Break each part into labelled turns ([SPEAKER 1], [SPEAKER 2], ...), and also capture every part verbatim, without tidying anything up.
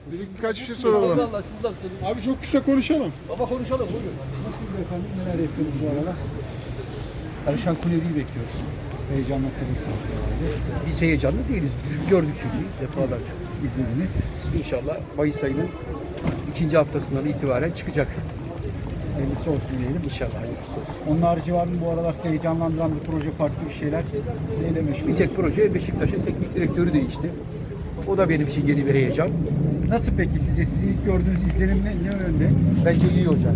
[SPEAKER 1] Bir birkaç bir şey soralım.
[SPEAKER 2] Eyvallah, siz nasılsınız?
[SPEAKER 1] Abi çok kısa konuşalım.
[SPEAKER 2] Baba konuşalım, buyurun.
[SPEAKER 3] Nasıl efendim? Neler yapıyoruz bu aralar?
[SPEAKER 2] Alişan Kulevi'yi bekliyoruz.
[SPEAKER 3] Heyecan nasıl herhalde?
[SPEAKER 2] Biz heyecanlı değiliz. Gördük çünkü defalarca.
[SPEAKER 3] İzlediniz.
[SPEAKER 2] İnşallah Mayıs ayının ikinci haftasından itibaren çıkacak.
[SPEAKER 3] Hayırlısı olsun diyelim.
[SPEAKER 2] İnşallah hayırlısı olsun.
[SPEAKER 3] Onun harici var mı bu aralar sizi heyecanlandıran bir proje, farklı bir şeyler? Neyle meşgul?
[SPEAKER 2] Bir tek proje Beşiktaş'ın teknik direktörü değişti. O da benim için yeni bir heyecan.
[SPEAKER 3] Nasıl peki sizce? Sizin ilk gördüğünüz izlenim ne, ne yönde?
[SPEAKER 2] Bence iyi hoca.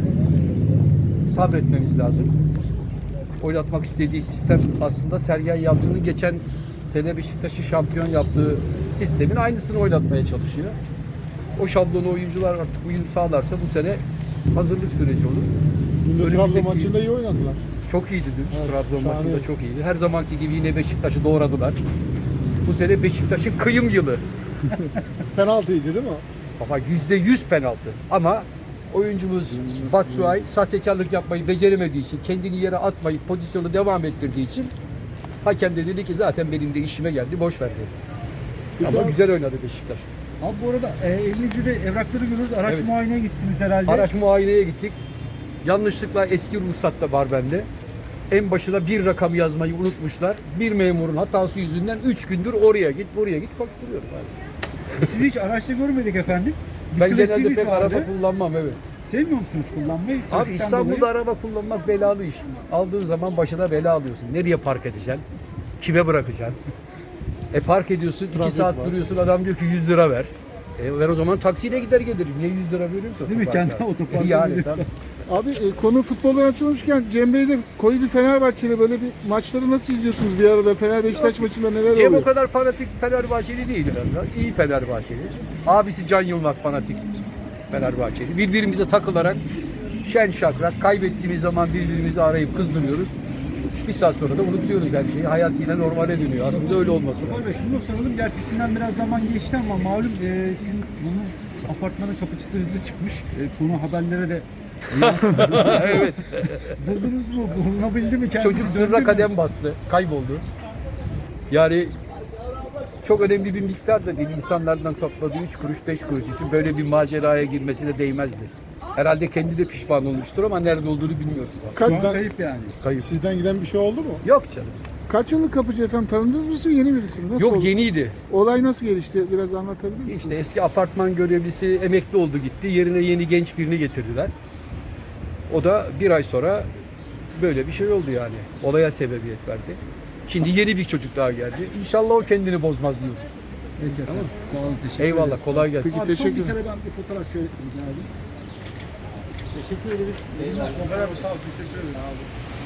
[SPEAKER 2] Sabretmemiz lazım. Oynatmak istediği sistem aslında Sergen Yalçın'ın geçen sene Beşiktaş'ı şampiyon yaptığı sistemin aynısını oynatmaya çalışıyor. O şablonu oyuncular artık uyum sağlarsa bu sene hazırlık süreci olur.
[SPEAKER 1] Dün de
[SPEAKER 2] Önümüzdeki-
[SPEAKER 1] Trabzon maçında iyi oynadılar.
[SPEAKER 2] Çok iyiydi dün.
[SPEAKER 1] Evet,
[SPEAKER 2] Trabzon
[SPEAKER 1] şahane.
[SPEAKER 2] maçında çok iyiydi. Her zamanki gibi yine Beşiktaş'ı doğradılar. Bu sene Beşiktaş'ın kıyım yılı.
[SPEAKER 1] Penaltıydı değil mi?
[SPEAKER 2] Baba yüzde yüz penaltı. Ama oyuncumuz Batshuayi sahtekarlık yapmayı beceremediği için, kendini yere atmayıp pozisyonu devam ettirdiği için hakem de dedi ki zaten benim de işime geldi, boş ver dedi.
[SPEAKER 1] Peki
[SPEAKER 2] Ama
[SPEAKER 1] abi-
[SPEAKER 2] güzel oynadı Beşiktaş.
[SPEAKER 3] Abi bu arada e, elinizde de evrakları görüyoruz. Araç
[SPEAKER 2] Evet.
[SPEAKER 3] muayeneye gittiniz herhalde.
[SPEAKER 2] Araç muayeneye gittik. Yanlışlıkla eski ruhsat da var bende. En başına bir rakam yazmayı unutmuşlar. Bir memurun hatası yüzünden üç gündür oraya git, buraya git koşturuyorum. Yani.
[SPEAKER 3] Sizi hiç araçta görmedik efendim. Bir
[SPEAKER 2] Ben genelde
[SPEAKER 3] klasiğiniz
[SPEAKER 2] pek
[SPEAKER 3] vardı.
[SPEAKER 2] araba kullanmam, evet.
[SPEAKER 3] Sevmiyor musunuz kullanmayı?
[SPEAKER 2] Abi
[SPEAKER 3] Trafikten
[SPEAKER 2] İstanbul'da
[SPEAKER 3] dolayı.
[SPEAKER 2] araba kullanmak belalı iş. Aldığın zaman başına bela alıyorsun. Nereye park edeceksin? Kime bırakacaksın? E park ediyorsun, iki
[SPEAKER 1] Trafik
[SPEAKER 2] saat
[SPEAKER 1] var.
[SPEAKER 2] duruyorsun, adam diyor ki yüz lira ver. E ver o zaman taksiyle gider gelirim. Niye yüz lira veriyorum ki?
[SPEAKER 3] Değil mi?
[SPEAKER 2] otoparka?
[SPEAKER 3] Kendi otoparka
[SPEAKER 2] Yani
[SPEAKER 3] veriyorsun.
[SPEAKER 2] tabii.
[SPEAKER 1] Abi e, konu futboldan açılmışken Cem Bey de koydu Fenerbahçe'yle böyle bir maçları nasıl izliyorsunuz bir arada? Fener Beşiktaş maçında neler
[SPEAKER 2] Cem o
[SPEAKER 1] oluyor?
[SPEAKER 2] kadar fanatik Fenerbahçeli değil herhalde. İyi Fenerbahçeli. Abisi Can Yılmaz fanatik Fenerbahçeli. Birbirimize takılarak şen şakrak kaybettiğimiz zaman birbirimizi arayıp kızdırıyoruz. Bir saat sonra da unutuyoruz her şeyi. Hayat yine normale dönüyor. Aslında öyle olması lazım.
[SPEAKER 3] Kemal Bey şunu da soralım. Gerçi üstünden biraz zaman geçti ama malum e, sizin bunun apartmanın kapıcısı hızlı çıkmış. E, konu haberlere de yansıdı.
[SPEAKER 2] Evet.
[SPEAKER 3] Buldunuz mu? Bulunabildi mi kendisi?
[SPEAKER 2] Çocuk
[SPEAKER 3] Döndü
[SPEAKER 2] zırra
[SPEAKER 3] mü?
[SPEAKER 2] kadem bastı. Kayboldu. Yani çok önemli bir miktar da değil. İnsanlardan topladığı üç kuruş, beş kuruş için böyle bir maceraya girmesine değmezdi. Herhalde kendi de pişman olmuştur ama nerede olduğunu bilmiyoruz.
[SPEAKER 3] Şu an
[SPEAKER 1] Kaç,
[SPEAKER 3] kayıp yani.
[SPEAKER 2] Kayıp.
[SPEAKER 1] sizden giden bir şey oldu mu?
[SPEAKER 2] Yok canım.
[SPEAKER 1] Kaç yıllık kapıcı efendim? Tanıdınız mı siz, yeni birisi mi? Nasıl
[SPEAKER 2] Yok
[SPEAKER 1] oldu?
[SPEAKER 2] yeniydi.
[SPEAKER 1] Olay nasıl gelişti? Biraz anlatabilir misiniz?
[SPEAKER 2] İşte eski apartman görevlisi emekli oldu gitti. Yerine yeni genç birini getirdiler. O da bir ay sonra böyle bir şey oldu yani. Olaya sebebiyet verdi. Şimdi yeni bir çocuk daha geldi. İnşallah o kendini bozmaz diyor.
[SPEAKER 3] Peki efendim. Sağ olun. Teşekkür
[SPEAKER 2] Eyvallah,
[SPEAKER 3] ederiz.
[SPEAKER 2] kolay gelsin.
[SPEAKER 3] Abi
[SPEAKER 1] Teşekkür
[SPEAKER 3] son bir
[SPEAKER 1] ederim.
[SPEAKER 3] kere ben bir fotoğraf şöyle rica edeyim. Teşekkür ederiz.
[SPEAKER 1] Merhaba, sağ ol. Teşekkür ederim.